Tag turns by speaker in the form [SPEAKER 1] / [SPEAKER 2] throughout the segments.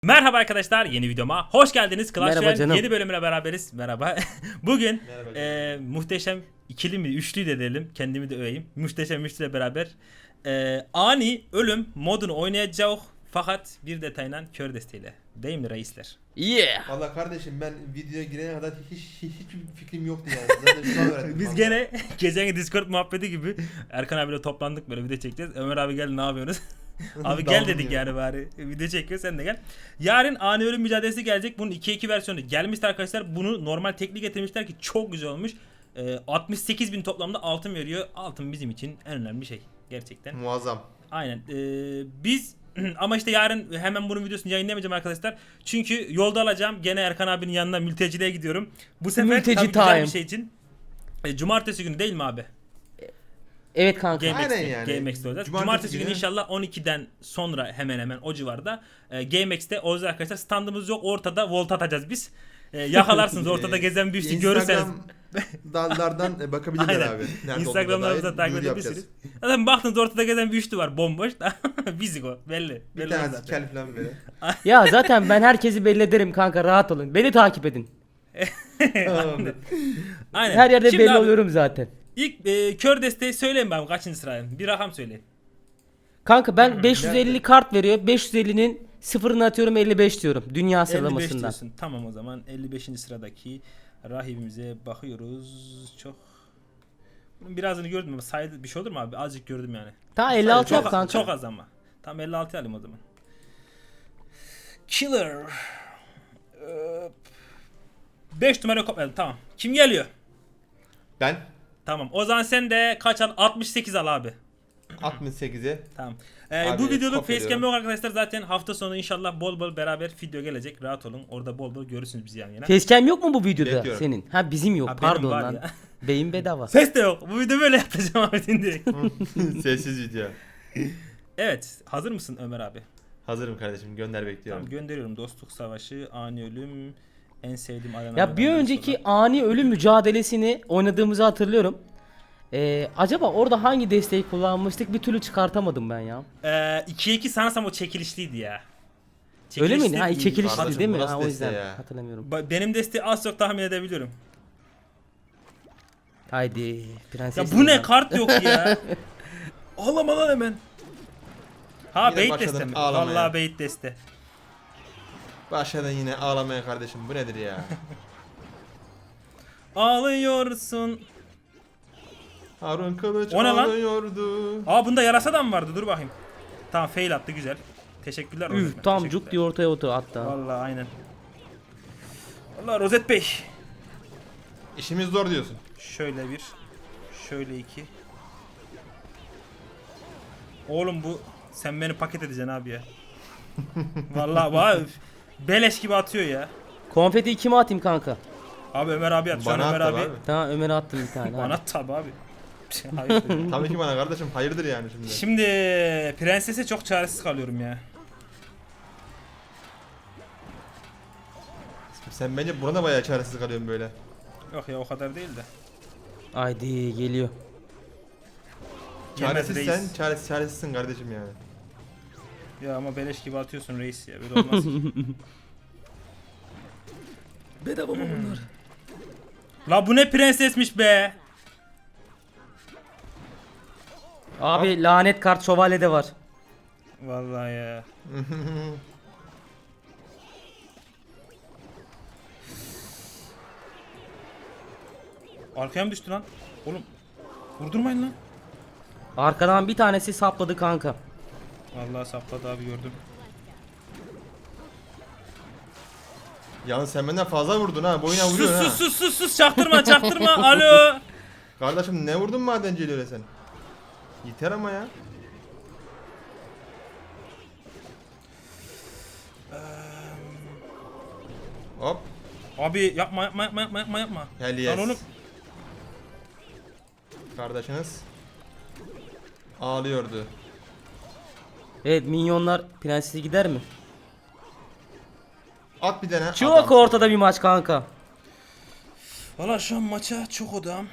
[SPEAKER 1] Merhaba arkadaşlar, yeni videoma hoş geldiniz. Clash
[SPEAKER 2] Merhaba
[SPEAKER 1] Royale
[SPEAKER 2] canım.
[SPEAKER 1] yeni bölümüne beraberiz. Merhaba. Bugün
[SPEAKER 3] Merhaba
[SPEAKER 1] muhteşem ikili mi üçlü de diyelim, kendimi de öveyim. Muhteşem üçlüyle beraber ani ölüm modunu oynayacağız. Fakat bir detayla kör desteğiyle. Değil mi reisler?
[SPEAKER 2] Yeah.
[SPEAKER 3] Valla kardeşim ben videoya girene kadar hiçbir fikrim yoktu yani. Zaten şu an öğrendim.
[SPEAKER 1] Biz
[SPEAKER 3] vallahi.
[SPEAKER 1] gene geçen Discord muhabbeti gibi Erkan abiyle toplandık, böyle video çekeceğiz. Ömer abi gel, ne yapıyorsunuz? Abi gel
[SPEAKER 3] Daldım
[SPEAKER 1] dedik
[SPEAKER 3] ya.
[SPEAKER 1] yani, bari video çekiyor, sen de gel. Yarın ani ölüm mücadelesi gelecek. Bunun 2-2 versiyonu gelmişti arkadaşlar. Bunu normal teknik getirmişler ki çok güzel olmuş. 68.000 toplamda altın veriyor. Altın bizim için en önemli şey gerçekten.
[SPEAKER 3] Muazzam.
[SPEAKER 1] Aynen. Biz ama işte yarın hemen bunun videosunu yayınlayamayacağım arkadaşlar. Çünkü yolda alacağım. Gene Erkan abinin yanına mülteciliğe gidiyorum. Bu sefer
[SPEAKER 2] Mülteci
[SPEAKER 1] tabii güzel
[SPEAKER 2] time.
[SPEAKER 1] bir şey için. Cumartesi günü değil mi abi?
[SPEAKER 2] Evet kanka.
[SPEAKER 1] GameX'te,
[SPEAKER 3] Aynen yani.
[SPEAKER 1] GameX'te olacağız.
[SPEAKER 3] Cumartesi
[SPEAKER 1] Cumartesi günü
[SPEAKER 3] günü.
[SPEAKER 1] inşallah 12'den sonra hemen hemen o civarda GameX'te olacağız arkadaşlar. Standımız yok, ortada volt atacağız biz. Yakalarsınız ortada gezen bir üçlü görürseniz.
[SPEAKER 3] Dallardan bakabilirler
[SPEAKER 1] Aynen.
[SPEAKER 3] abi. Nerede
[SPEAKER 1] Instagram'larımıza
[SPEAKER 3] olduğuna
[SPEAKER 1] takip
[SPEAKER 3] dair duyuru
[SPEAKER 1] edebilirsiniz.
[SPEAKER 3] yapacağız.
[SPEAKER 1] Zaten baktınız ortada gezen bir üçlü var bomboş. Bizik o, belli.
[SPEAKER 3] Bir
[SPEAKER 1] Belli
[SPEAKER 3] tanesi
[SPEAKER 1] zaten.
[SPEAKER 3] kel falan böyle.
[SPEAKER 2] Ya zaten ben herkesi belli ederim kanka, rahat olun. Beni takip edin.
[SPEAKER 3] Tamamdır.
[SPEAKER 1] Aynen.
[SPEAKER 2] Her yerde
[SPEAKER 1] Şimdi
[SPEAKER 2] belli
[SPEAKER 1] abi,
[SPEAKER 2] oluyorum zaten.
[SPEAKER 1] İlk kör desteği söyleyin ben, kaçıncı sırayım? Bir rakam söyleyin.
[SPEAKER 2] Kanka ben 550
[SPEAKER 3] nerede?
[SPEAKER 2] kart veriyor. 550'nin sıfırını atıyorum, 55 diyorum. Dünya
[SPEAKER 1] 55
[SPEAKER 2] sıralamasından.
[SPEAKER 1] diyorsun. Tamam, o zaman 55. sıradaki rahibimize bakıyoruz. Çok. Bunun birazını gördüm ama saydı bir şey olur mu abi? Azıcık gördüm yani.
[SPEAKER 2] Ta 56
[SPEAKER 1] Çok,
[SPEAKER 2] yap kanka.
[SPEAKER 1] çok az ama. Tam 56 alayım o zaman. Killer. 5 numara kopyaladım, tamam. Kim geliyor?
[SPEAKER 3] Ben
[SPEAKER 1] Tamam. O zaman sen de kaç al? 68 al abi.
[SPEAKER 3] 68'e
[SPEAKER 1] Tamam.
[SPEAKER 3] Abi,
[SPEAKER 1] Bu videoluk
[SPEAKER 3] kopyalıyorum.
[SPEAKER 1] facecam yok arkadaşlar. Zaten hafta sonu inşallah bol bol beraber video gelecek. Rahat olun. Orada bol bol görürsünüz bizi yan yana.
[SPEAKER 2] Facecam yok mu bu videoda
[SPEAKER 3] Bekliyorum.
[SPEAKER 2] senin? Ha bizim yok,
[SPEAKER 1] Ha, benim
[SPEAKER 2] pardon
[SPEAKER 1] var
[SPEAKER 2] lan.
[SPEAKER 1] ya.
[SPEAKER 2] Beyin bedava.
[SPEAKER 1] Ses de yok. Bu video böyle yapacağım abi şimdi.
[SPEAKER 3] sessiz video.
[SPEAKER 1] Evet. Hazır mısın Ömer abi?
[SPEAKER 3] Hazırım kardeşim, gönder bekliyorum.
[SPEAKER 1] Tamam, gönderiyorum. Dostluk savaşı, ani ölüm, en sevdiğim arena.
[SPEAKER 2] Ya bir önceki ani ölüm mücadelesini oynadığımızı hatırlıyorum. Acaba orada hangi desteği kullanmıştık, bir türlü çıkartamadım ben ya.
[SPEAKER 1] 2'ye 2 sanırsam o çekilişliydi ya.
[SPEAKER 2] Öyle miydi?
[SPEAKER 1] Çekilişli
[SPEAKER 2] Ha,
[SPEAKER 1] değil.
[SPEAKER 2] çekilişli
[SPEAKER 3] Kardeşim,
[SPEAKER 2] değil mi?
[SPEAKER 3] bu nasıl
[SPEAKER 2] Ha, o
[SPEAKER 3] deste
[SPEAKER 2] yüzden
[SPEAKER 3] ya?
[SPEAKER 2] hatırlamıyorum.
[SPEAKER 1] Benim desteği az çok tahmin edebiliyorum.
[SPEAKER 2] Haydi prenses.
[SPEAKER 1] Ya bu ne, kart yok ya. Ağlama lan hemen. Ha,
[SPEAKER 3] Yine
[SPEAKER 1] bait
[SPEAKER 3] başladım
[SPEAKER 1] deste mi?
[SPEAKER 3] ağlamaya.
[SPEAKER 1] Vallahi bait deste.
[SPEAKER 3] Başladan yine ağlamaya kardeşim, bu nedir ya?
[SPEAKER 1] Ağlıyorsun.
[SPEAKER 3] Harun Kılıç
[SPEAKER 1] O ne lan?
[SPEAKER 3] ağlıyordu.
[SPEAKER 1] Aa, bunda yarasa da mı vardı? Dur bakayım. Tamam, fail attı, güzel. Teşekkürler Rozet Bey,
[SPEAKER 2] Üf tam
[SPEAKER 1] teşekkürler.
[SPEAKER 2] cuk diye ortaya otur hatta.
[SPEAKER 1] Vallahi aynen. Vallahi Rozet Bey.
[SPEAKER 3] İşimiz zor diyorsun.
[SPEAKER 1] Şöyle bir. Şöyle iki. Oğlum bu, sen beni paket edeceksin abi ya. Vallahi vay, beleş gibi atıyor ya.
[SPEAKER 2] Konfeti kime atayım kanka?
[SPEAKER 1] Abi Ömer abi at. Şu an
[SPEAKER 3] Bana
[SPEAKER 1] Ömer
[SPEAKER 3] at
[SPEAKER 1] abi.
[SPEAKER 3] abi.
[SPEAKER 2] Tamam Ömer'e attım bir tane.
[SPEAKER 1] Bana
[SPEAKER 2] hadi.
[SPEAKER 1] at tabi abi. Hayır.
[SPEAKER 3] Tabii ki bana kardeşim, hayırdır yani şimdi.
[SPEAKER 1] Şimdi prensese çok çaresiz kalıyorum ya.
[SPEAKER 3] Sen bence buna da bayağı çaresiz kalıyorsun böyle.
[SPEAKER 1] Yok ya, o kadar değil de.
[SPEAKER 2] Haydi geliyor.
[SPEAKER 1] Yemez
[SPEAKER 3] Çaresiz
[SPEAKER 1] reis.
[SPEAKER 3] sen, çaresizsin kardeşim yani.
[SPEAKER 1] Ya ama beleş gibi atıyorsun reis ya. Böyle olmaz ki.
[SPEAKER 2] Bedava mı bunlar?
[SPEAKER 1] La bu ne prensesmiş be.
[SPEAKER 2] Abi lanet kart şövalye de var.
[SPEAKER 1] Vallahi ya. Arkaya mı düştü lan? Oğlum vurdurmayın lan.
[SPEAKER 2] Arkadan bir tanesi sapladı kanka.
[SPEAKER 1] Vallahi sapladı abi, gördüm.
[SPEAKER 3] Yalnız sen benden fazla vurdun ha, boyuna
[SPEAKER 1] Sus
[SPEAKER 3] vuruyorsun ha.
[SPEAKER 1] sus sus sus, çaktırma çaktırma. Alo.
[SPEAKER 3] Kardeşim ne vurdun madenciyle öyle sen? Yeter ama ya. Hop.
[SPEAKER 1] Abi yapma yapma yapma yapma yapma yapma.
[SPEAKER 3] Hell yes.
[SPEAKER 1] Lan oğlum.
[SPEAKER 3] Kardeşiniz ağlıyordu.
[SPEAKER 2] Evet minyonlar prensesi gider mi?
[SPEAKER 3] At bir tane.
[SPEAKER 2] Çok
[SPEAKER 3] adam.
[SPEAKER 2] ortada bir maç kanka.
[SPEAKER 1] Valla şu an maça çok odam.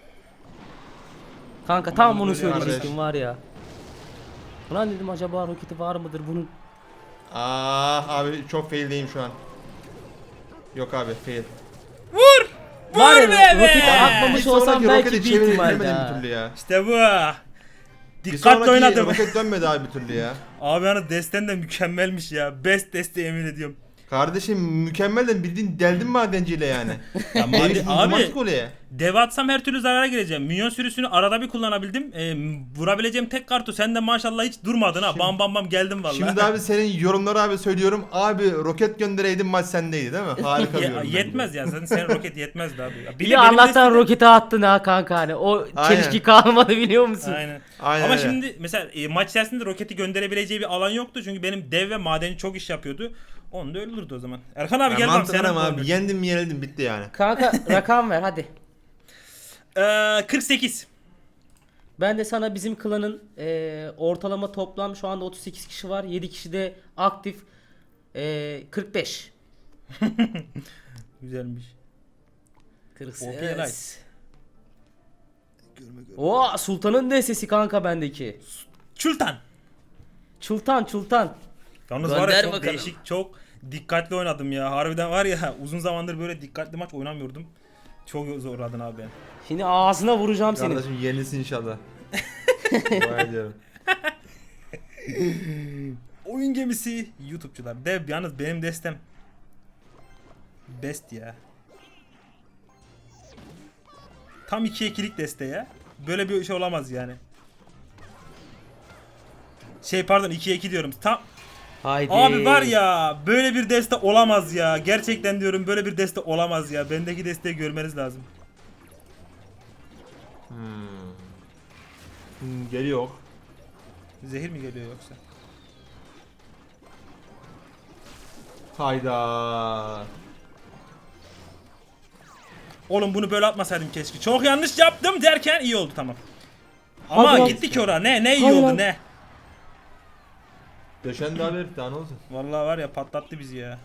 [SPEAKER 2] Kanka tam bunu
[SPEAKER 1] böyle
[SPEAKER 2] söyleyecektim
[SPEAKER 3] kardeş.
[SPEAKER 2] var ya. Ulan dedim acaba roketi var mıdır bunun?
[SPEAKER 3] Ah abi çok faildeyim şu an. Yok abi fail.
[SPEAKER 1] Vur!
[SPEAKER 2] Var
[SPEAKER 1] Vur
[SPEAKER 2] ya,
[SPEAKER 1] be
[SPEAKER 2] roketi
[SPEAKER 1] be!
[SPEAKER 2] atmamış
[SPEAKER 3] Bir
[SPEAKER 2] olsam
[SPEAKER 3] sonraki
[SPEAKER 2] belki
[SPEAKER 3] roketi
[SPEAKER 2] bir ihtimal
[SPEAKER 3] çeviremedim
[SPEAKER 2] daha.
[SPEAKER 3] bir türlü ya.
[SPEAKER 1] İşte bu.
[SPEAKER 3] Bir
[SPEAKER 1] Dikkatli
[SPEAKER 3] sonraki
[SPEAKER 1] oynadım.
[SPEAKER 3] roket dönmedi abi bir türlü ya.
[SPEAKER 1] Abi yani desten de mükemmelmiş ya. Best deste yemin ediyorum.
[SPEAKER 3] Kardeşim mükemmel de bildiğin deldim madenciyle yani.
[SPEAKER 1] Ya abi
[SPEAKER 3] Abi.
[SPEAKER 1] dev atsam her türlü zarara gireceğim. Minyon sürüsünü arada bir kullanabildim. Vurabileceğim tek kartu sen de maşallah hiç durmadın ha. Bam bam bam geldin vallahi.
[SPEAKER 3] Şimdi abi senin yorumları abi söylüyorum. Abi roket göndereydin maç sendeydi değil mi? Harika bir yorum bence.
[SPEAKER 1] Yetmez ya. Senin roket yetmezdi abi. Ya,
[SPEAKER 2] Bir de Allah'tan roketi attın ha kanka hani. O
[SPEAKER 3] Aynen.
[SPEAKER 2] çelişki kalmadı biliyor musun?
[SPEAKER 1] Aynen.
[SPEAKER 3] Aynen
[SPEAKER 1] Ama
[SPEAKER 3] öyle.
[SPEAKER 1] şimdi mesela maç içerisinde roketi gönderebileceği bir alan yoktu. Çünkü benim dev ve madeni çok iş yapıyordu. Onu da öldürdü o zaman. Erkan abi
[SPEAKER 3] Ya
[SPEAKER 1] gel bakalım.
[SPEAKER 3] mantıklı ama abi yendim mi yenildim bitti yani.
[SPEAKER 2] Kanka rakam ver hadi.
[SPEAKER 1] 48.
[SPEAKER 2] Ben de sana bizim klanın ortalama toplam şu anda 38 kişi var. 7 kişi de aktif. 45.
[SPEAKER 1] Güzelmiş.
[SPEAKER 2] 48.
[SPEAKER 1] Popüler.
[SPEAKER 2] Oo Sultan'ın da sesi kanka bendeki.
[SPEAKER 1] Çultan.
[SPEAKER 2] Çultan.
[SPEAKER 1] Yalnız var ya
[SPEAKER 2] Gönder
[SPEAKER 1] çok
[SPEAKER 2] bakalım.
[SPEAKER 1] değişik, çok dikkatli oynadım ya. Harbiden var ya uzun zamandır böyle dikkatli maç oynamıyordum. Çok zorladın abi beni.
[SPEAKER 2] Şimdi ağzına vuracağım seni.
[SPEAKER 3] Kardeşim yenilsin inşallah. Dua ediyorum.
[SPEAKER 1] Oyun gemisi YouTube'cular. Dev yalnız benim destem. Best ya. Tam 2-2'lik deste ya. Böyle bir şey olamaz yani. Pardon 2-2 diyorum. Tam
[SPEAKER 2] Haydi.
[SPEAKER 1] abi var ya böyle bir deste olamaz ya. Gerçekten diyorum böyle bir deste olamaz ya. Bendeki desteği görmeniz lazım.
[SPEAKER 3] Geliyor.
[SPEAKER 1] Zehir mi geliyor yoksa?
[SPEAKER 3] Hayda.
[SPEAKER 1] Oğlum bunu böyle atmasaydım keşke. Çok yanlış yaptım derken iyi oldu tamam. Ama
[SPEAKER 2] Hadi lan.
[SPEAKER 1] gittik oraya. Ne iyi
[SPEAKER 2] Hadi
[SPEAKER 1] oldu
[SPEAKER 2] lan.
[SPEAKER 1] ne?
[SPEAKER 3] Döşen daha herif daha ne olsun.
[SPEAKER 1] Vallahi var ya patlattı bizi ya.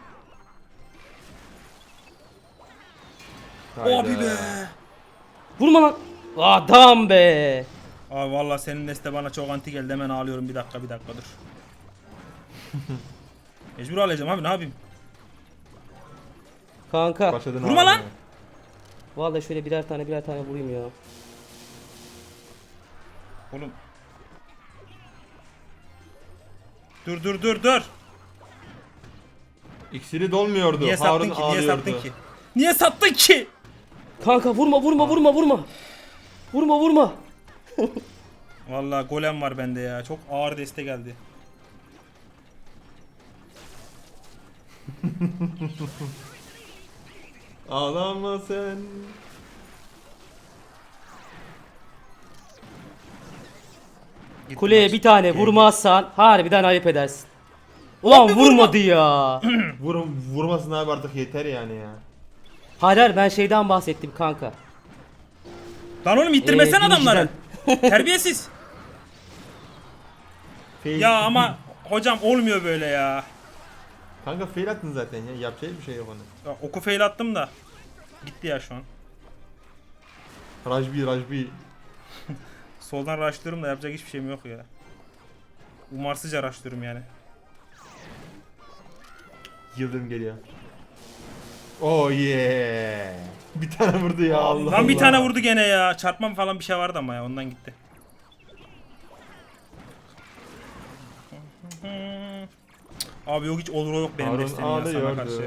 [SPEAKER 3] Hayda.
[SPEAKER 1] Abi be.
[SPEAKER 2] Vurma lan. Adam be.
[SPEAKER 1] Abi vallahi senin deste bana çok anti geldi. Hemen ağlıyorum bir dakika dur. Mecbur alacağım abi ne yapayım?
[SPEAKER 2] Kanka.
[SPEAKER 3] Başladın
[SPEAKER 1] Vurma
[SPEAKER 3] abi.
[SPEAKER 1] lan.
[SPEAKER 2] Vallahi şöyle birer tane vurayım ya.
[SPEAKER 1] Oğlum. Dur.
[SPEAKER 3] İksiri dolmuyordu.
[SPEAKER 1] Niye
[SPEAKER 3] Harun
[SPEAKER 1] sattın ki? Niye
[SPEAKER 3] ağlıyordu.
[SPEAKER 1] sattın ki? Niye sattın ki?
[SPEAKER 2] Kanka vurma. Vurma.
[SPEAKER 1] Vallahi golem var bende ya. Çok ağır deste geldi.
[SPEAKER 3] Ağlama sen.
[SPEAKER 1] Gitti
[SPEAKER 2] Kuleye
[SPEAKER 1] maç.
[SPEAKER 2] bir tane
[SPEAKER 1] Gel,
[SPEAKER 2] vurmazsan harbiden ayıp edersin. Ulan vurmadı ya.
[SPEAKER 3] Vurmasın abi artık yeter yani ya.
[SPEAKER 2] Hayır ben şeyden bahsettim kanka.
[SPEAKER 1] Lan oğlum ittirmesen
[SPEAKER 2] Biniciden.
[SPEAKER 1] adamları. Terbiyesiz.
[SPEAKER 3] Fail.
[SPEAKER 1] Ya ama hocam olmuyor böyle ya.
[SPEAKER 3] Kanka fail attın zaten ya. Yapacak bir şey yok onun.
[SPEAKER 1] Ya oku fail attım da. Gitti ya şu an.
[SPEAKER 3] Rajbi.
[SPEAKER 1] Soldan rushlıyorum da yapacak hiçbir şeyim yok ya. Umarsızca rushlıyorum yani.
[SPEAKER 3] Yıldırım geliyor. Oh yeah. Bir tane vurdu ya Allah
[SPEAKER 1] Lan bir
[SPEAKER 3] Allah.
[SPEAKER 1] tane vurdu gene ya. Çarpmam falan bir şey vardı ama ya ondan gitti. Abi yok hiç olur o yok benim
[SPEAKER 3] Harun
[SPEAKER 1] desteğim ya sana
[SPEAKER 3] ağlıyordu.
[SPEAKER 1] karşı.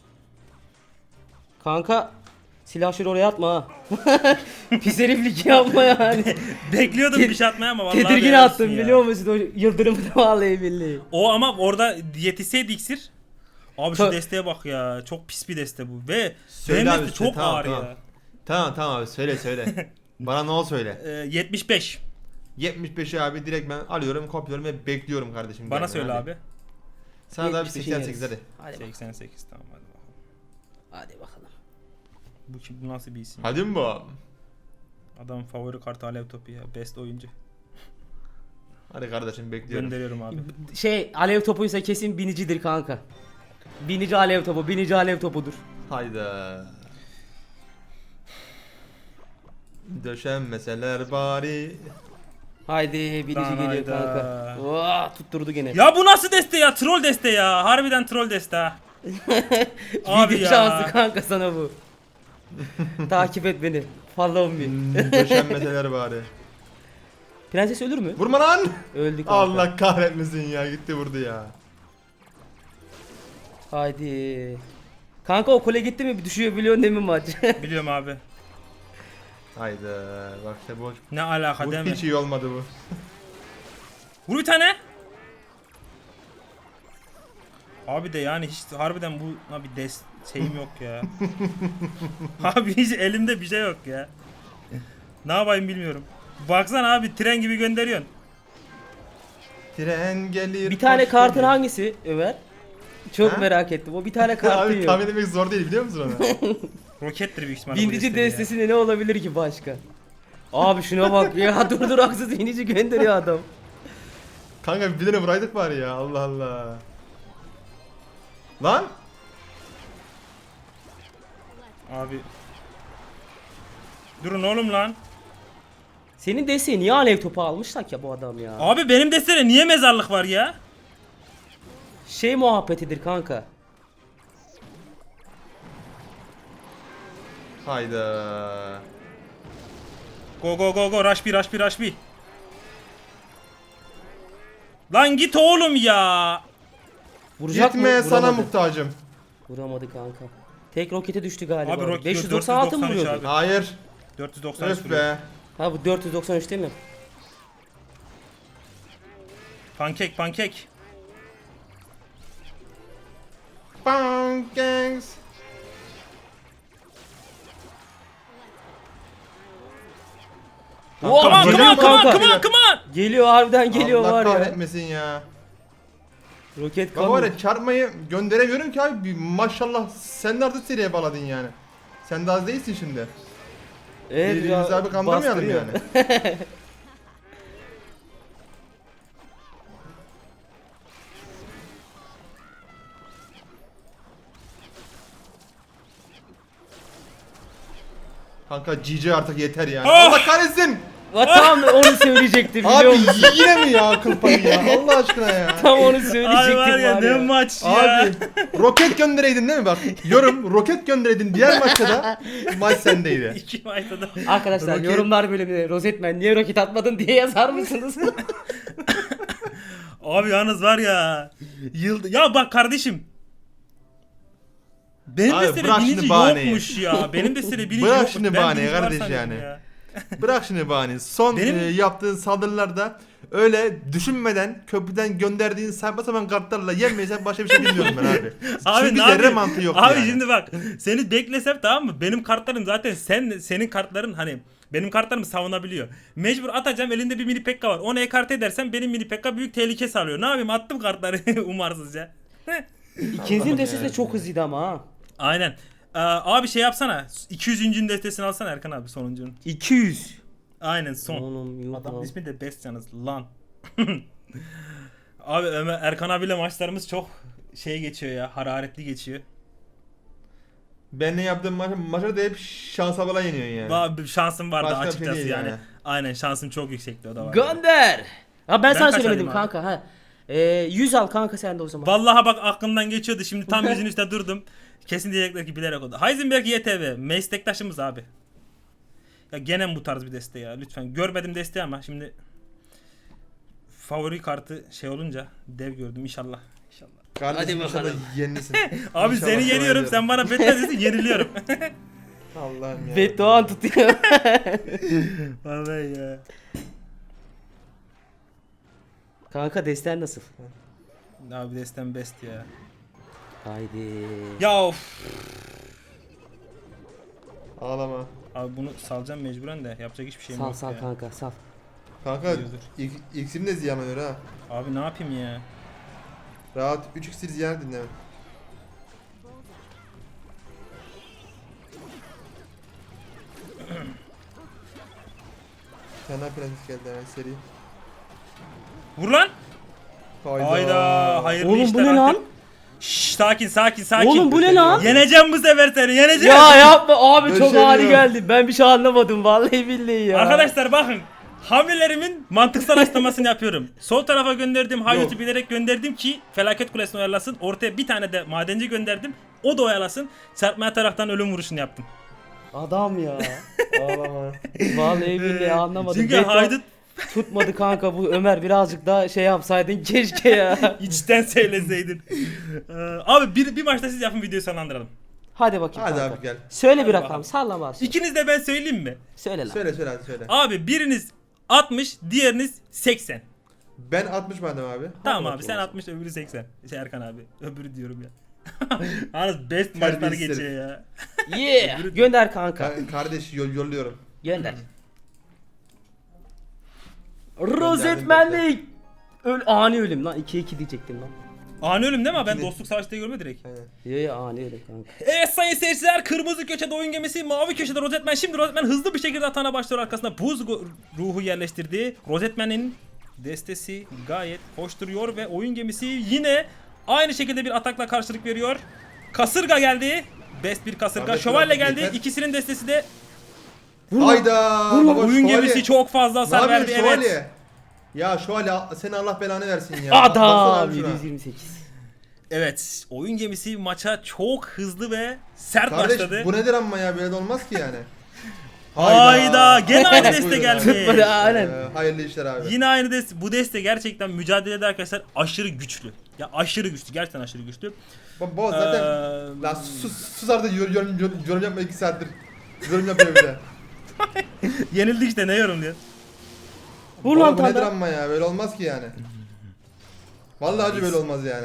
[SPEAKER 2] Kanka silahşörü oraya atma ha. Pis heriflik yapma yani.
[SPEAKER 1] Bekliyordum bir şey atmaya ama vallahi
[SPEAKER 2] Tedirgin
[SPEAKER 1] beğenirsin
[SPEAKER 2] attım
[SPEAKER 1] ya.
[SPEAKER 2] biliyor musun o yıldırımı da vallahi billahi.
[SPEAKER 1] O ama orada yetişseydi iksir. Abi şu
[SPEAKER 2] Çok-
[SPEAKER 1] desteğe bak ya. Çok pis bir deste bu. Ve
[SPEAKER 3] Söyle
[SPEAKER 1] benim
[SPEAKER 3] abi,
[SPEAKER 1] deste
[SPEAKER 3] söyle,
[SPEAKER 1] çok
[SPEAKER 3] tamam,
[SPEAKER 1] ağır
[SPEAKER 3] tamam.
[SPEAKER 1] ya.
[SPEAKER 3] Tamam abi söyle. Bana ne ol söyle.
[SPEAKER 1] 75.
[SPEAKER 3] 75'i abi direkt ben alıyorum, kopyalıyorum ve bekliyorum kardeşim.
[SPEAKER 1] Bana
[SPEAKER 3] gelmeni,
[SPEAKER 1] söyle
[SPEAKER 3] hadi.
[SPEAKER 1] abi.
[SPEAKER 3] Sana da bir
[SPEAKER 2] 78'i
[SPEAKER 3] 88
[SPEAKER 2] yeriz.
[SPEAKER 3] hadi.
[SPEAKER 2] Hadi bakalım.
[SPEAKER 1] 88 tamam hadi bakalım.
[SPEAKER 2] Hadi bakalım.
[SPEAKER 1] Bu nasıl bir isim?
[SPEAKER 3] Hadi mi bu?
[SPEAKER 1] Adam favori kartı alev topu ya. Best oyuncu.
[SPEAKER 3] Hadi kardeşim bekliyorum.
[SPEAKER 1] Gönderiyorum abi.
[SPEAKER 2] Şey alev topuysa kesin binicidir kanka. Binici alev topudur.
[SPEAKER 3] Hayda. Döşenmeseler bari.
[SPEAKER 2] Haydi birinci
[SPEAKER 1] Lan
[SPEAKER 2] geliyor
[SPEAKER 1] hayda.
[SPEAKER 2] kanka. Vaa, tutturdu gene.
[SPEAKER 1] Ya bu nasıl deste ya? Troll deste ya. Harbiden troll deste ha. Abi
[SPEAKER 2] Video
[SPEAKER 1] ya.
[SPEAKER 2] şansı kanka sana bu. Takip et beni. Follow me.
[SPEAKER 3] Döşenmeseler bari.
[SPEAKER 2] Prenses ölür mü?
[SPEAKER 3] Vurma lan.
[SPEAKER 2] Öldü kanka.
[SPEAKER 3] Allah kahretmesin ya, gitti vurdu ya.
[SPEAKER 2] Haydi. Kanka o kule gitti mi düşüyor biliyorsun değil mi maç?
[SPEAKER 1] Biliyorum abi.
[SPEAKER 3] Haydi bak işte bu,
[SPEAKER 1] Ne alaka
[SPEAKER 3] bu
[SPEAKER 1] değil mi?
[SPEAKER 3] hiç iyi olmadı bu.
[SPEAKER 1] Vur bir tane. Abi de yani hiç harbiden bu abi şeyim yok ya. Abi hiç elimde bir şey yok ya. Ne yapayım bilmiyorum. Baksana abi tren gibi gönderiyorsun.
[SPEAKER 3] Tren gelir.
[SPEAKER 2] Bir tane
[SPEAKER 3] hoş
[SPEAKER 2] kartın
[SPEAKER 3] gelir.
[SPEAKER 2] hangisi Ömer? Çok
[SPEAKER 3] Ha?
[SPEAKER 2] merak ettim. O bir tane kartın
[SPEAKER 3] Abi
[SPEAKER 2] yok.
[SPEAKER 3] tahmin etmek zor değil biliyor musun onu?
[SPEAKER 1] Rokettir büyük ihtimalle. bu
[SPEAKER 2] Bindici
[SPEAKER 1] desteği ya.
[SPEAKER 2] destesinde ne olabilir ki başka? Abi şuna bak ya, dur haksız binici gönderiyor adam.
[SPEAKER 3] Kanka bir tane vuraydık bari ya, Allah Allah. Lan?
[SPEAKER 1] Abi. Durun oğlum lan.
[SPEAKER 2] Senin desteği niye alev topu almışlar ya bu adam ya?
[SPEAKER 1] Abi benim destede niye mezarlık var ya?
[SPEAKER 2] Şey muhabbetidir kanka.
[SPEAKER 3] Hayda.
[SPEAKER 1] Go go go go rush bir rush bir rush bir. Lan git oğlum ya.
[SPEAKER 2] Vuracak mı?
[SPEAKER 3] Gitme, sana
[SPEAKER 2] Vuramadı.
[SPEAKER 3] muhtacım.
[SPEAKER 2] Vuramadı kanka. Tek rokete düştü galiba.
[SPEAKER 1] Abi roket
[SPEAKER 2] 596 mı
[SPEAKER 1] 493
[SPEAKER 2] vuruyordu?
[SPEAKER 1] abi.
[SPEAKER 3] Hayır.
[SPEAKER 1] 493
[SPEAKER 3] Öf
[SPEAKER 1] vuruyor.
[SPEAKER 3] be.
[SPEAKER 2] Ha bu 493 değil mi?
[SPEAKER 1] Pankek pankek.
[SPEAKER 3] Bang gangs.
[SPEAKER 2] Oh,
[SPEAKER 1] Come on come
[SPEAKER 2] geliyor
[SPEAKER 1] on come on
[SPEAKER 2] kanka.
[SPEAKER 1] come on come on.
[SPEAKER 2] Geliyor harbiden geliyor
[SPEAKER 3] Allah
[SPEAKER 2] var ya.
[SPEAKER 3] kahretmesin ya.
[SPEAKER 2] Roket
[SPEAKER 3] Baba var
[SPEAKER 2] kanı.
[SPEAKER 3] ya, çarpmayı gönderemiyorum ki abi. Maşallah sen de artık seriye bağladın yani. Sen de az değilsin şimdi.
[SPEAKER 2] Evet
[SPEAKER 3] Birbirimizi abi kandırmayalım
[SPEAKER 2] bastırıyor.
[SPEAKER 3] yani. Kanka GG artık yeter yani.
[SPEAKER 1] Ah!
[SPEAKER 3] Allah kahretsin.
[SPEAKER 2] Tam onu söyleyecektim biliyor
[SPEAKER 3] Abi
[SPEAKER 2] musun?
[SPEAKER 3] yine mi ya akıl payı ya? Allah aşkına ya.
[SPEAKER 2] Tam onu
[SPEAKER 1] Abi
[SPEAKER 2] söyleyecektim
[SPEAKER 1] var ya ne maç ya.
[SPEAKER 3] Abi roket göndereydin değil mi bak? Yorum roket göndereydin, diğer maçta da maç sendeydi.
[SPEAKER 1] İki maçta da.
[SPEAKER 2] Arkadaşlar
[SPEAKER 3] Roket-
[SPEAKER 2] yorumlar bölümüne Rozetmen niye roket atmadın diye yazar mısınız?
[SPEAKER 1] Abi yalnız var ya. Yıldı. Ya bak kardeşim. Benim
[SPEAKER 3] Abi
[SPEAKER 1] destede
[SPEAKER 3] bırak
[SPEAKER 1] binici
[SPEAKER 3] şimdi bahaneyi.
[SPEAKER 1] yokmuş ya. Benim destede binici
[SPEAKER 3] Bırak
[SPEAKER 1] yokmuş.
[SPEAKER 3] şimdi
[SPEAKER 1] Ben
[SPEAKER 3] bahaneyi
[SPEAKER 1] binici var
[SPEAKER 3] kardeş
[SPEAKER 1] sanıyorum
[SPEAKER 3] yani.
[SPEAKER 1] ya.
[SPEAKER 3] Bırak şimdi bahane. Son
[SPEAKER 1] Benim-
[SPEAKER 3] yaptığın saldırılarda öyle düşünmeden köprüden gönderdiğin saçma sapan kartlarla yenmeysen başka bir şey bilmiyorum ben abi.
[SPEAKER 1] Abi
[SPEAKER 3] Çünkü
[SPEAKER 1] ne
[SPEAKER 3] zerre
[SPEAKER 1] yapayım?
[SPEAKER 3] mantığı yok
[SPEAKER 1] Abi
[SPEAKER 3] yani.
[SPEAKER 1] şimdi bak seni beklesem tamam mı? Benim kartlarım zaten senin kartların hani benim kartlarımı savunabiliyor. Mecbur atacağım, elinde bir mini pekka var. Onu ekarte edersem benim mini pekka büyük tehlike sağlıyor. Ne yapayım, attım kartları umarsızca.
[SPEAKER 2] İkinizin
[SPEAKER 3] Allah'ım
[SPEAKER 2] destesi de
[SPEAKER 3] ya.
[SPEAKER 2] çok hızlıydı ama ha.
[SPEAKER 1] Aynen. Abi şey yapsana. 200. destesini alsana Erkan abi, sonuncunun.
[SPEAKER 2] 200.
[SPEAKER 1] Aynen son.
[SPEAKER 2] Oğlum yok
[SPEAKER 1] Adam
[SPEAKER 2] lan.
[SPEAKER 1] ismi de Best yalnız lan. Abi Erkan abiyle maçlarımız çok şey geçiyor ya, hararetli geçiyor.
[SPEAKER 3] Benle yaptığım maçları da hep şansa bala yeniyorsun yani.
[SPEAKER 1] Bir şansım vardı
[SPEAKER 3] Başka bir şey
[SPEAKER 1] açıkçası
[SPEAKER 3] değil
[SPEAKER 1] yani.
[SPEAKER 3] yani.
[SPEAKER 1] Aynen şansım çok yüksekti, o da var.
[SPEAKER 2] Gönder. Ha ben sana
[SPEAKER 1] kaç
[SPEAKER 2] söylemedim
[SPEAKER 1] alayım abi?
[SPEAKER 2] kanka ha. 100 al kanka sen de o zaman.
[SPEAKER 1] Vallahi bak aklımdan geçiyordu, şimdi tam yüzün üstüne durdum. Kesin diyecekler ki bilerek oldu. Heisenberg YTV meslektaşımız abi. Ya gene bu tarz bir deste ya, lütfen. Görmedim desteği ama şimdi favori kartı şey olunca dev gördüm, inşallah. İnşallah.
[SPEAKER 3] Kardeşim
[SPEAKER 2] Hadi
[SPEAKER 3] inşallah
[SPEAKER 2] bakalım.
[SPEAKER 3] yenilisin.
[SPEAKER 1] Abi
[SPEAKER 3] İnşallah
[SPEAKER 1] seni
[SPEAKER 3] devam
[SPEAKER 1] yeniyorum,
[SPEAKER 3] ediyorum.
[SPEAKER 1] sen bana betmezsin, yeniliyorum.
[SPEAKER 3] Allah'ım ya.
[SPEAKER 2] Bedduan tutuyor.
[SPEAKER 1] Vallahi ya.
[SPEAKER 2] Kanka desten nasıl?
[SPEAKER 1] Abi destem best ya.
[SPEAKER 2] Haydi.
[SPEAKER 1] Ya of.
[SPEAKER 3] Ağlama.
[SPEAKER 1] Abi bunu salacağım mecburen de, yapacak hiçbir şeyim
[SPEAKER 2] Sal
[SPEAKER 1] yok
[SPEAKER 2] sal
[SPEAKER 1] ya.
[SPEAKER 2] kanka sal.
[SPEAKER 3] Kanka
[SPEAKER 1] İyidir.
[SPEAKER 3] iksirim de ziyan oluyor ha.
[SPEAKER 1] Abi ne yapayım ya?
[SPEAKER 3] Rahat 3 iksir ziyan dinle. Fena prenses geldi hemen seri.
[SPEAKER 1] Vur lan.
[SPEAKER 3] Hayda.
[SPEAKER 1] Hayda. Hayırlı
[SPEAKER 2] Oğlum bu
[SPEAKER 1] işler
[SPEAKER 2] ne
[SPEAKER 1] artık.
[SPEAKER 2] lan?
[SPEAKER 1] Şşş, sakin sakin sakin.
[SPEAKER 2] Oğlum bu ne lan?
[SPEAKER 1] Yeneceğim bu sefer seni, yeneceğim.
[SPEAKER 2] Ya yapma abi çok
[SPEAKER 3] Döşemiyor.
[SPEAKER 2] hali geldi. Ben bir şey anlamadım vallahi billahi ya.
[SPEAKER 1] Arkadaşlar bakın. hamlelerimin mantıksal açıklamasını yapıyorum. Sol tarafa gönderdim, Hayut'u
[SPEAKER 3] Yok.
[SPEAKER 1] bilerek gönderdim ki felaket kulesini oyalasın. Ortaya bir tane de madenci gönderdim. O da oyalasın. Serpme taraftan ölüm vuruşunu yaptım.
[SPEAKER 2] Adam ya.
[SPEAKER 3] Ağlama.
[SPEAKER 2] Vallahi billahi anlamadım.
[SPEAKER 1] Çünkü
[SPEAKER 2] Beton
[SPEAKER 1] Haydut
[SPEAKER 2] tutmadı kanka bu Ömer, birazcık daha şey yapsaydın keşke ya.
[SPEAKER 1] içten söyleseydin. Abi bir maçta siz yapın, videoyu sonlandıralım.
[SPEAKER 2] Hadi bakayım
[SPEAKER 3] Hadi
[SPEAKER 2] kanka.
[SPEAKER 3] abi gel.
[SPEAKER 2] Söyle bir
[SPEAKER 1] Hadi
[SPEAKER 2] rakam,
[SPEAKER 1] bakalım.
[SPEAKER 2] salla başla.
[SPEAKER 1] İkiniz de ben söyleyeyim mi?
[SPEAKER 2] Söyle lan.
[SPEAKER 3] Söyle hadi söyle.
[SPEAKER 1] Abi biriniz 60, diğeriniz 80.
[SPEAKER 3] Ben 60 madem abi.
[SPEAKER 1] Tamam abi
[SPEAKER 2] bakayım
[SPEAKER 1] sen
[SPEAKER 2] o
[SPEAKER 1] 60, öbürü 80. Erkan abi. Öbürü diyorum ya. Yalnız best maçları
[SPEAKER 3] Terbiyesiz
[SPEAKER 1] geçiyor ya.
[SPEAKER 2] Yeah. Gönder kanka.
[SPEAKER 3] Kardeş yolluyorum.
[SPEAKER 2] Gönder. Rozetmenlik. Ani ölüm lan, 2-2 diyecektim lan.
[SPEAKER 1] Ani ölüm değil mi? Ben
[SPEAKER 3] İkili.
[SPEAKER 1] dostluk savaşı diye görme direkt.
[SPEAKER 3] Aynen.
[SPEAKER 2] Ya ani ölüm kanka.
[SPEAKER 1] Evet sayın seyirciler, kırmızı köşede oyun gemisi, mavi köşede Rozetmen. Şimdi Rozetmen hızlı bir şekilde atağına başlıyor, arkasına buz ruhu yerleştirdi. Rozetmen'in destesi gayet hoş duruyor ve oyun gemisi yine aynı şekilde bir atakla karşılık veriyor. Kasırga geldi. Best bir kasırga.
[SPEAKER 3] Kardeş,
[SPEAKER 1] Şövalye
[SPEAKER 3] biraz
[SPEAKER 1] geldi.
[SPEAKER 3] yeter.
[SPEAKER 1] İkisinin destesi de
[SPEAKER 3] Hayda.
[SPEAKER 2] Vurma.
[SPEAKER 3] Baba,
[SPEAKER 1] oyun
[SPEAKER 3] şövalye.
[SPEAKER 1] gemisi çok fazla
[SPEAKER 3] Ne
[SPEAKER 1] hasar verdi.
[SPEAKER 3] yapıyorsun
[SPEAKER 1] Evet.
[SPEAKER 3] şövalye? Ya şövalye seni Allah belanı versin ya.
[SPEAKER 2] Adam
[SPEAKER 3] Baksana abi şuna.
[SPEAKER 2] 728.
[SPEAKER 1] Evet. Oyun gemisi maça çok hızlı ve sert
[SPEAKER 3] Kardeş
[SPEAKER 1] başladı.
[SPEAKER 3] bu nedir amma ya, böyle de olmaz ki yani.
[SPEAKER 1] Hayda. Gene aynı deste
[SPEAKER 3] Buyurun
[SPEAKER 1] gelmiş.
[SPEAKER 3] abi.
[SPEAKER 2] Tutmadı, aynen.
[SPEAKER 3] Hayırlı işler abi.
[SPEAKER 1] Yine aynı deste. Bu deste gerçekten mücadelede arkadaşlar aşırı güçlü. Ya aşırı güçlü. Gerçekten aşırı güçlü.
[SPEAKER 3] Baba zaten lan sus artık yorum yapma 2 saattir. Yorum yapıyor bir de.
[SPEAKER 1] Yenildik işte, ne yorumluyor?
[SPEAKER 2] Vur
[SPEAKER 3] Baba
[SPEAKER 2] lan
[SPEAKER 3] bu nedir
[SPEAKER 2] tanda.
[SPEAKER 3] amma ya, böyle olmaz ki yani. Vallahi acı böyle olmaz yani.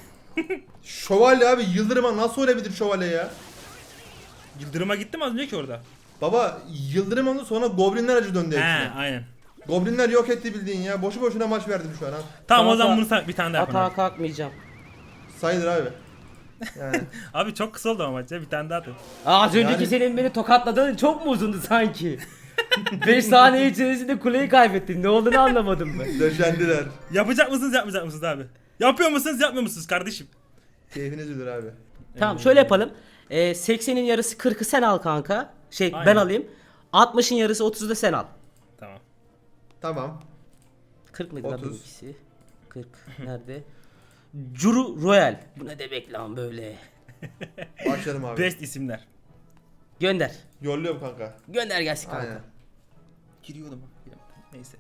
[SPEAKER 3] Şövalye abi, Yıldırım'a nasıl olabilir şövalye ya?
[SPEAKER 1] Yıldırım'a gitti mi az önce ki orada?
[SPEAKER 3] Baba Yıldırım oldu, sonra Goblinler acı döndü
[SPEAKER 1] He,
[SPEAKER 3] hepsine.
[SPEAKER 1] aynen.
[SPEAKER 3] Goblinler yok etti bildiğin ya. Boşu boşuna maç verdim şu an ha.
[SPEAKER 1] Tamam o
[SPEAKER 2] Kanka,
[SPEAKER 1] zaman bunu bir tane daha yapalım.
[SPEAKER 2] Atağa kalkmayacağım.
[SPEAKER 3] Sayılır abi. Yani
[SPEAKER 1] Abi çok kısa oldu ama maç ya, bir tane daha atın.
[SPEAKER 2] Az önceki
[SPEAKER 3] Yani-
[SPEAKER 2] senin beni tokatladığın çok mu uzundu sanki? 5 saniye içerisinde kuleyi kaybettin. Ne olduğunu anlamadım ben.
[SPEAKER 3] döşendiler.
[SPEAKER 1] Yapacak mısınız yapmayacak mısınız abi? Yapıyor musunuz yapmıyor musunuz kardeşim?
[SPEAKER 3] Keyfiniz bilir abi.
[SPEAKER 2] Tamam şöyle yapalım. 80'in yarısı 40'ı sen al kanka. Ben
[SPEAKER 1] Aynen.
[SPEAKER 2] alayım. 60'ın yarısı 30'u da sen al.
[SPEAKER 1] Tamam.
[SPEAKER 3] Tamam.
[SPEAKER 2] 40 mıydı lan
[SPEAKER 3] 30.
[SPEAKER 2] benimkisi? 40 nerede? Curu Royal. Bu ne demek lan böyle?
[SPEAKER 3] Başlayalım abi.
[SPEAKER 1] Best isimler.
[SPEAKER 2] Gönder.
[SPEAKER 3] Yolluyorum kanka.
[SPEAKER 2] Gönder gelsin kanka.
[SPEAKER 3] Aynen.
[SPEAKER 1] Giriyordum. Neyse.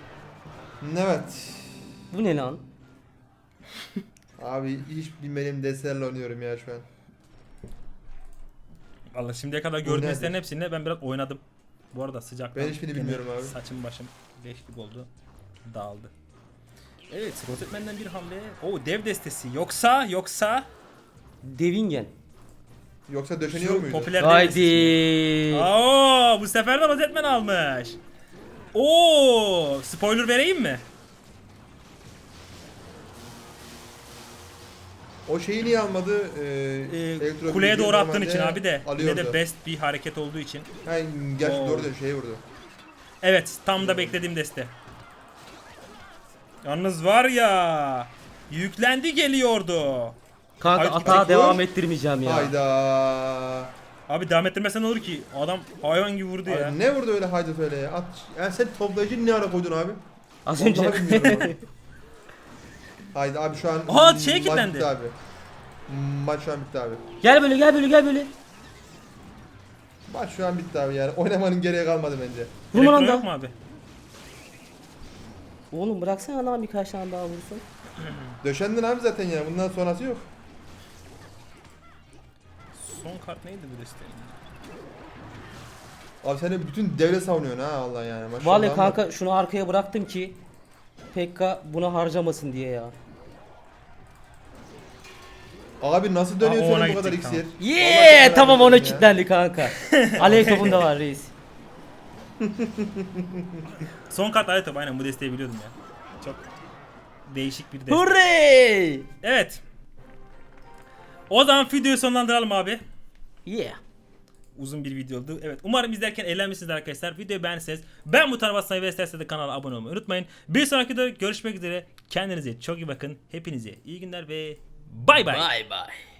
[SPEAKER 3] Evet.
[SPEAKER 2] Bu ne lan?
[SPEAKER 3] Abi hiç bilmediğim destelerle oynuyorum ya şu an.
[SPEAKER 1] Vallahi şimdiye kadar
[SPEAKER 3] Bu
[SPEAKER 1] gördüğünüzlerin
[SPEAKER 3] nedir?
[SPEAKER 1] hepsinde ben biraz oynadım. Bu arada sıcaktan.
[SPEAKER 3] Ben hiçbirini
[SPEAKER 1] gene
[SPEAKER 3] bilmiyorum abi.
[SPEAKER 1] Saçım başım leş gibi oldu. Dağıldı. Evet, Rozetmen'den bir hamle. O dev destesi. Yoksa
[SPEAKER 2] Devingen.
[SPEAKER 3] Yoksa döşeniyor
[SPEAKER 1] şu
[SPEAKER 3] muydu?
[SPEAKER 1] popüler dev destesi.
[SPEAKER 2] Haydi.
[SPEAKER 1] Oo, bu sefer de Rozetmen almış. Oo, spoiler vereyim mi?
[SPEAKER 3] O şeyi niye almadı? Elektro
[SPEAKER 1] Kuleye
[SPEAKER 3] bilgiyi
[SPEAKER 1] doğru attığın
[SPEAKER 3] normalde
[SPEAKER 1] için abi de. Yine
[SPEAKER 3] alıyordu.
[SPEAKER 1] de best bir hareket olduğu için.
[SPEAKER 3] Ha, gerçi
[SPEAKER 1] Oo.
[SPEAKER 3] doğru diyor, şeye vurdu.
[SPEAKER 1] Evet, tam da beklediğim deste. Yalnız var ya, yüklendi geliyordu.
[SPEAKER 2] Kanka
[SPEAKER 1] Haydi,
[SPEAKER 2] atağa
[SPEAKER 3] haydi,
[SPEAKER 2] devam
[SPEAKER 3] vur.
[SPEAKER 2] ettirmeyeceğim ya.
[SPEAKER 3] Hayda.
[SPEAKER 1] Abi devam ettirmesen olur ki. Adam hayvan gibi vurdu ya.
[SPEAKER 3] Abi ne vurdu öyle haydi öyle ya? At, yani sen toplayıcı ne ara koydun abi?
[SPEAKER 2] Az
[SPEAKER 3] Vallahi
[SPEAKER 2] önce.
[SPEAKER 3] bilmiyorum abi. Haydi abi şu an
[SPEAKER 1] Aha, şeye
[SPEAKER 3] maç
[SPEAKER 1] kilitlendi.
[SPEAKER 3] bitti abi. Maç şu an bitti abi.
[SPEAKER 2] Gel böyle gel böyle gel böyle.
[SPEAKER 3] Maç şu an bitti abi yani. Oynamanın gereği kalmadı bence.
[SPEAKER 2] Vurma lan
[SPEAKER 1] Elektron yok
[SPEAKER 2] da.
[SPEAKER 1] mu abi?
[SPEAKER 2] Oğlum bıraksana lan birkaç tane daha vursun.
[SPEAKER 3] Döşendin abi zaten ya. Bundan sonrası yok.
[SPEAKER 1] Son kart neydi bu desteğin?
[SPEAKER 3] Abi sen de bütün devlet savunuyorsun ha Allah yani. Maşallah
[SPEAKER 2] Vallahi
[SPEAKER 3] ama-
[SPEAKER 2] kanka şunu arkaya bıraktım ki Pekka buna harcamasın diye ya.
[SPEAKER 3] Abi nasıl dönüyor
[SPEAKER 1] Aa, ona
[SPEAKER 3] senin bu kadar
[SPEAKER 1] gidecek,
[SPEAKER 3] iksir?
[SPEAKER 2] Yeah
[SPEAKER 3] Allah
[SPEAKER 2] tamam
[SPEAKER 3] belanı
[SPEAKER 2] ona
[SPEAKER 3] versin ya.
[SPEAKER 2] kilitlendi kanka. Alev topun da var reis.
[SPEAKER 1] Son kart alet top, aynen bu desteği biliyordum ya. Çok değişik bir deste.
[SPEAKER 2] Hurray!
[SPEAKER 1] Evet. O zaman videoyu sonlandıralım abi.
[SPEAKER 2] Yeah.
[SPEAKER 1] Uzun bir video oldu. Evet, umarım izlerken eğlenmişsiniz arkadaşlar. Videoyu beğendiyseniz ben bu tarafa basmayı ve isterseniz de kanala abone olmayı unutmayın. Bir sonraki videoda görüşmek üzere. Kendinize çok iyi bakın. Hepinize iyi günler ve bay bay.
[SPEAKER 2] Bye bye.